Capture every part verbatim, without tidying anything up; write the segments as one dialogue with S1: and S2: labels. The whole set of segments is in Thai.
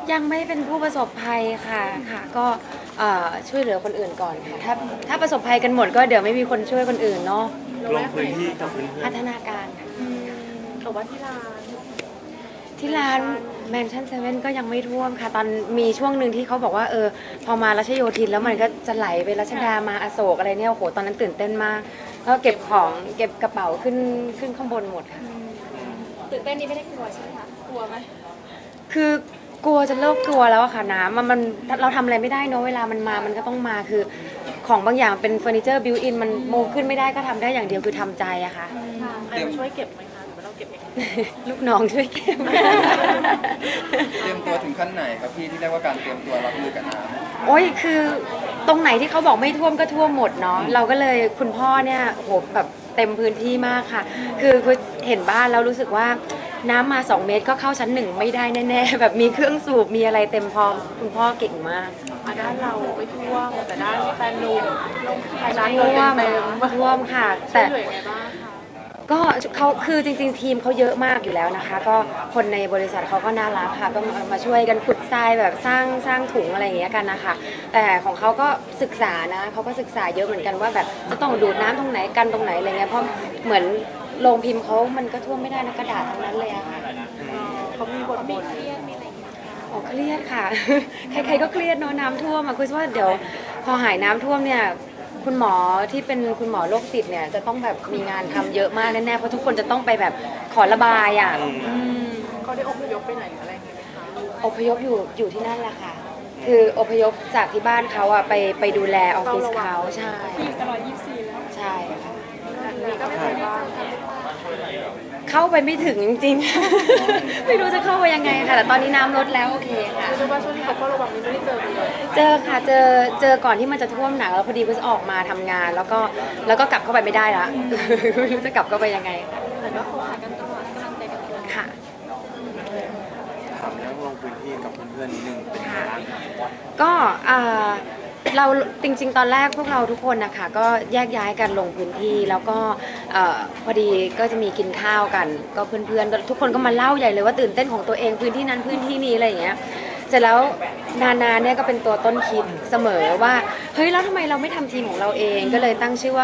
S1: ยังไม่เป็นผู้ประสบภัยค่ะค่ะก็ช่วยเหลือคนอื่นก่อนค่ะถ้าถ้าประสบภัยกันหมดก็เดี๋ยวไม่มีคนช่วยคนอื่นเนาะ
S2: ลงพื้นที่กับเพื่อน
S1: พัฒนาการ
S3: แต่ว่าที่ร้าน
S1: ที่ร้านแมนชั่นเซเว่นก็ยังไม่ท่วมค่ะตอนมีช่วงหนึ่งที่เขาบอกว่าเออพอมารัชโยธินแล้วมันก็จะไหลไปรัชดามาอโศกอะไรเนี่ยโอ้โหตอนนั้นตื่นเต้นมากแล้วเก็บของเก็บกระเป๋าขึ้นขึ้นข้างบนหมดค่ะ
S3: ตื่นเต้นนี่ไม่ได้กลัวใช่ไหมคะกลัวไหม
S1: คือกลัวจะเลิกกลัวแล้วอะค่ะน้ำมันมันเราทำอะไรไม่ได้เนอะเวลามันมามันก็ต้องมาคือของบางอย่างเป็นเฟอร์นิเจอร์บิวอินมันโมขึ้นไม่ได้ก็ทำได้อย่างเดียวคือทำใจอะค่ะ
S3: ใครมาช่วยเก็บไหมคะหรือว่าเราเก็บเอง
S1: ลูกน้องช่วยเก็บ
S4: เตรียมตัวถึงขั้นไหนครับพี่ที่เรียกว่าการเตรียมตัวรับมือกับน้ำ
S1: โอ้ยคือตรงไหนที่เขาบอกไม่ท่วมก็ท่วมหมดเนาะเราก็เลยคุณพ่อเนี่ยโหแบบเต็มพื้นที่มากค่ะคือคือเห็นบ้านแล้วรู้สึกว่าน้ำมาสองเมตรก็เข้าชั้นหนึ่งไม่ได้แน่ๆแบบมีเครื่องสูบมีอะไรเต็มพร้อมคุณพ่อเก่งมาก
S3: ด้านเราไม่ท่วมแต่ด้านแฟนนุ่ม
S1: ร้านท่วมท่วมค่ะแต่ก็เขาคือจริงๆทีมเขาเยอะมากอยู่แล้วนะคะก็คนในบริษัทเขาก็น่ารักค่ะก็มาช่วยกันขุดทรายแบบสร้างสร้างถุงอะไรอย่างเงี้ยกันนะคะแต่ของเขาก็ศึกษานะเขาก็ศึกษาเยอะเหมือนกันว่าแบบจะต้องดูดน้ำตรงไหนกันตรงไหนอะไรเงี้ยเพราะเหมือนโรงพิมพ์เขามันก็ท่วมไม่ได้นะกระดาษทั้งนั้นเลยอะค่ะ
S3: เขามีบทบทเครียดมีอะไร
S1: อ๋อเครียดค่ะใครๆก็เครียดเนาะน้ำท่วมอะคือว่าเดี๋ยวพอหายน้ำท่วมเนี่ยคุณหมอที่เป็นคุณหมอโรคจิตเนี่ยจะต้องแบบมีงานทำเยอะมากแน่ๆเพราะทุกคนจะต้องไปแบบขอระบายอ่ะ
S3: เขาได้อพยพไปไหนอะไรอย่างเงี้ยไหมคะ
S1: อพยพอยู่อยู่ที่นั่นแหละค่ะคืออพยพจากที่บ้านเขาอ่ะไปไปดูแลออฟฟิศเขาใช่
S3: ตลอดยี่สิบสี่แล้ว
S1: ใช่ค่ะ
S3: นี่ก็ไม่เคยบ้าน
S1: เข้าไปไม่ถึงจริงๆไม่รู้จะเข้าไปยังไงค่ะแต่ตอนนี้น้ำลดแล้วโอเคค่ะ
S3: คือว่าช่วงนี้เขาก็ระวังไม่ได้เจอกันเลย
S1: เจอค่ะเจอเจอก่อนที่มันจะท่วมหนักแล้วพอดีเพิ่งออกมาทำงานแล้วก็แล้วก็กลับเข้าไปไม่ได้ละไม่รู้จะกลับเข้าไปยังไง
S3: แต่ก็เขาหากันตลอดกำลังใจกันตลอด
S1: ค่ะ
S2: ถามเรื่องลงพื้นที่กับเพื่อนๆนิดนึงเป็นยังไงบ้าง
S1: ก็เราจริงๆตอนแรกพวกเราทุกคนนะคะก็แยกย้ายกันลงพื้นที่แล้วก็พอดีก็จะมีกินข้าวกันก็เพื่อนๆทุกคนก็มาเล่าใหญ่เลยว่าตื่นเต้นของตัวเองพื้นที่นั้นพื้นที่นี้อะไรอย่างเงี้ยเสร็จแล้วนานาเนี่ยก็เป็นตัวต้นคิดเสมอว่าเฮ้ยแล้วทำไมเราไม่ทำทีมของเราเองก็เลยตั้งชื่อว่า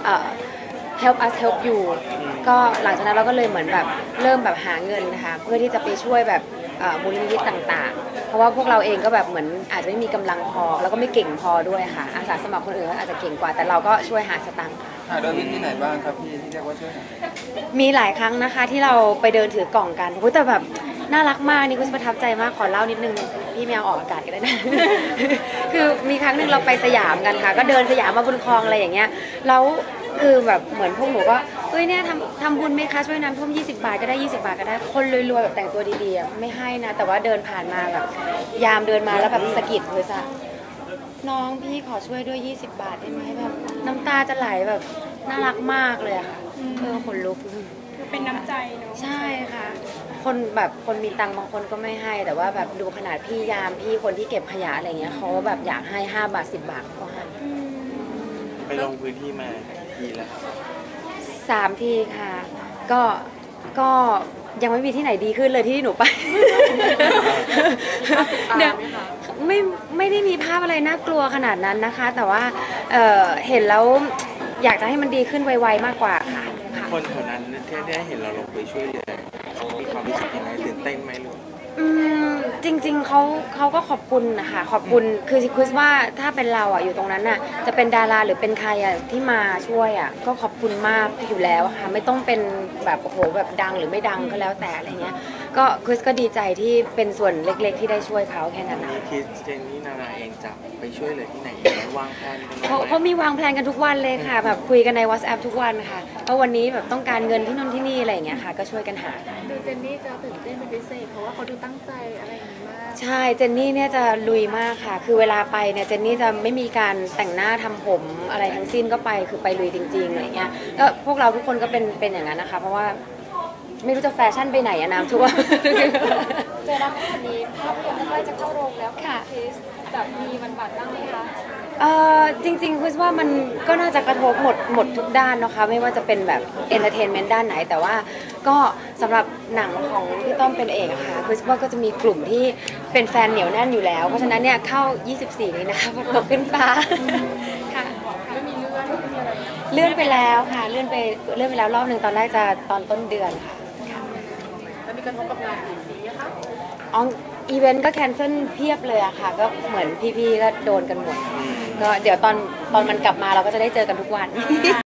S1: help us help you ก็หลังจากนั้นเราก็เลยเหมือนแบบเริ่มแบบหาเงินนะคะเพื่อที่จะไปช่วยแบบมูลนิธิต่างๆเพราะว่าพวกเราเองก็แบบเหมือนอาจจะไม่มีกำลังพอแล้วก็ไม่เก่งพอด้วยค่ะอาสาสมัครคนอื่นก็อาจจะเก่งกว่าแต่เราก็ช่วยหาสตังค์
S4: หาโดยวิธีไหนบ้างครับพี่ที่เรียกว่าช่วยหา
S1: มีหลายครั้งนะคะที่เราไปเดินถือกล่องกันโอ้แต่แบบน่ารักมากนี่ก็ประทับใจมากขอเล่านิดนึงพี่แมวออกอากาศกันได้นะคือมีครั้งหนึ่งเราไปสยามกันค่ะก็เดินสยามมาบนคลองอะไรอย่างเงี้ยแล้วคือแบบเหมือนพวกหนูก็เฮ้ยเนี่ยทำทำบุญไหมคะช่วยน้ำท่วมยี่สิบบาทก็ได้ยี่สิบบาทก็ได้คนรวยๆแบบแต่งตัวดีๆไม่ให้นะแต่ว่าเดินผ่านมาแบบยามเดินมาแล้วแบบสะกิดเลยจ้ะน้องพี่ขอช่วยด้วยยี่สิบบาทได้ไหมแบบน้ำตาจะไหลแบบน่ารักมากเลยค่ะเออขนลุก
S3: คือเป็นน้ำใจเนาะ
S1: ใช่ค่ะคนแบบคนมีตังค์บางคนก็ไม่ให้แต่ว่าแบบดูขนาดพี่ยามพี่คนที่เก็บขยะอะไรเงี้ยเขาแบบอยากให้ห้าบาทสิบบาทก็ให้
S2: ไปลงพื้นที่มาทีแล้ว
S1: สามทีค่ะก็ก็ยังไม่มีที่ไหนดีขึ้นเลยที่หนูไปเนี่ยไม่ไม่ได้มีภาพอะไรน่ากลัวขนาดนั้นนะคะแต่ว่าเเห็นแล้วอยากจะให้มันดีขึ้นไวๆมากกว่าค่ะ
S2: คนแถวนั้นที่ได้เห็นเราลงไปช่วยเหลือมีความรู้สึกยังไงตื่นเต้นไหมลูก
S1: อืมจริงๆเขาเขาก็ขอบคุณนะคะขอบคุณคือคิดว่าถ้าเป็นเราอ่ะอยู่ตรงนั้นอ่ะจะเป็นดาราหรือเป็นใครอ่ะที่มาช่วยอ่ะก็ขอบคุณมากอยู่แล้วค่ะไม่ต้องเป็นแบบโอ้โหแบบดังหรือไม่ดังก็แล้วแต่อะไรเงี้ยก็คริสก็ดีใจที่เป็นส่วนเล็กๆที่ได้ช่วยเขาแค่นั้นนะ
S2: คิดเจนนี่นานาเองจะไปช่วยเหลือที่ไหนวางแผนกัน
S1: เขาเขามีวางแผนกันทุกวันเลยค่ะแบบคุยกันใน WhatsApp ทุกวันค่ะเพราะวันนี้แบบต้องการเงินที่นู่นที่นี่อะไรอย่างเงี้ยค่ะก็ช่วยกันหา
S3: ดูเจนนี่จะตื่นเต้นเป็นพิเศษเพราะว่าเขาดูตั้งใจอะไรอย่างนี้มาก
S1: ใช่เจนนี่เนี่ยจะลุยมากค่ะคือเวลาไปเนี่ยเจนนี่จะไม่มีการแต่งหน้าทำผมอะไรทั้งสิ้นก็ไปคือไปลุยจริงๆอะไรเงี้ยก็พวกเราทุกคนก็เป็นเป็นอย่างนั้นนะคะเพราะว่าไม่รู้จะแฟชั่นไปไหนอะน้ำท่วม
S3: เจอรับวันนี้ภาพยนตร์ใกล้จะเข้าโรงแล้ว
S1: ค่ะ
S3: คริสแบบมีมันบาดบ้างไหมคะ
S1: เอ่อจริงๆคือว่ามันก็น่าจะกระทบหมดหมดทุกด้านนะคะไม่ว่าจะเป็นแบบเอนเตอร์เทนเมนต์ด้านไหน แต่ว่าก็สำหรับหนังของพี่ต้อมเป็นเอกอะค่ะคือว่าก็จะมีกลุ่มที่เป็นแฟนเหนียวแน่นอยู่แล้ว เพราะฉะนั้นเนี่ยเข้า ยี่สิบสี่ นี้นะคะตกขึ้นฟ้าค่ะ
S3: ไม่มีเลื่อนไม่มีอะไร
S1: เลื่อนไปแล้วค่ะเลื่อนไปเลื่อนไปแล้วรอบหนึ่งตอนแรกจะตอนต้นเดือนค่ะ
S3: แล้วมีกระทบกับงานอีกทีไหมคะ
S1: อ๋ออีเวนต์ก็แคนเซิลเพียบเลยอะค่ะ ก็เหมือนพี่ๆก็โดนกันหมด ก็เดี๋ยวตอนตอนมันกลับมาเราก็จะได้เจอกันทุกวัน